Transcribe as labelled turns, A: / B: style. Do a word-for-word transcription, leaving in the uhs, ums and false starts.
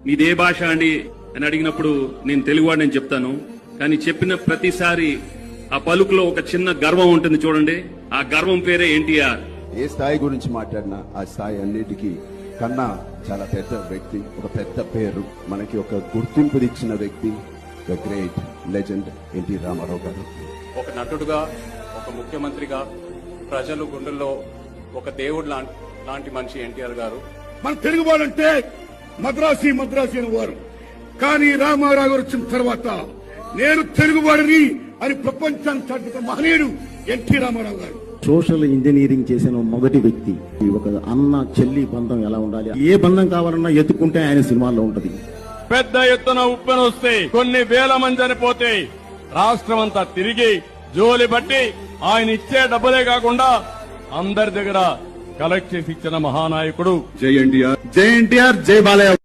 A: మీదే భాష అండి అని అడిగినప్పుడు నేను తెలుగువాడిని చెప్తాను. కానీ చెప్పిన ప్రతిసారి ఆ పలుకులో ఒక చిన్న గర్వం ఉంటుంది చూడండి. ఆ గర్వం పేరే ఎన్టీఆర్.
B: ఏ స్థాయి గురించి మాట్లాడినా ఆ స్థాయి అన్నిటికీ కన్నా చాలా పెద్ద వ్యక్తి, ఒక పెద్ద పేరు, మనకి ఒక గుర్తింపు ఇచ్చిన వ్యక్తి, the great legend NT Ramarao గారు.
C: ఒక నటుడుగా, ఒక ముఖ్యమంత్రిగా, ప్రజలు గుండెల్లో ఒక దేవుడు లాంటి మనిషి ఎన్టీఆర్ గారు.
D: మన తెలుగువాడంటే మద్రాసి మద్రాసి అని వారు, కానీ రామారావు గారు వచ్చిన తర్వాత నేను తెలుగువాడిని అని ప్రపంచాన్ని చాటుతున్న మహనీయుడు ఎన్టీ రామారావు గారు.
E: సోషల్ ఇంజనీరింగ్ చేసిన మొదటి వ్యక్తి. ఒక అన్న చెల్లి బంధం ఎలా ఉండాలి, ఏ బంధం కావాలన్నా ఎత్తుకుంటే ఆయన సినిమాల్లో ఉంటది.
F: పెద్ద ఎత్తున ఉప్పెన వస్తే కొన్ని వేల మంది చనిపోతే రాష్ట్రం అంతా తిరిగి జోలి బట్టి ఆయన ఇచ్చే డబ్బులే కాకుండా అందరి దగ్గర కలెక్ట్ చేసి ఇచ్చిన మహానాయకుడు.
D: జై ఎన్టీఆర్, జై ఎన్టీఆర్, జై బాలయ్య.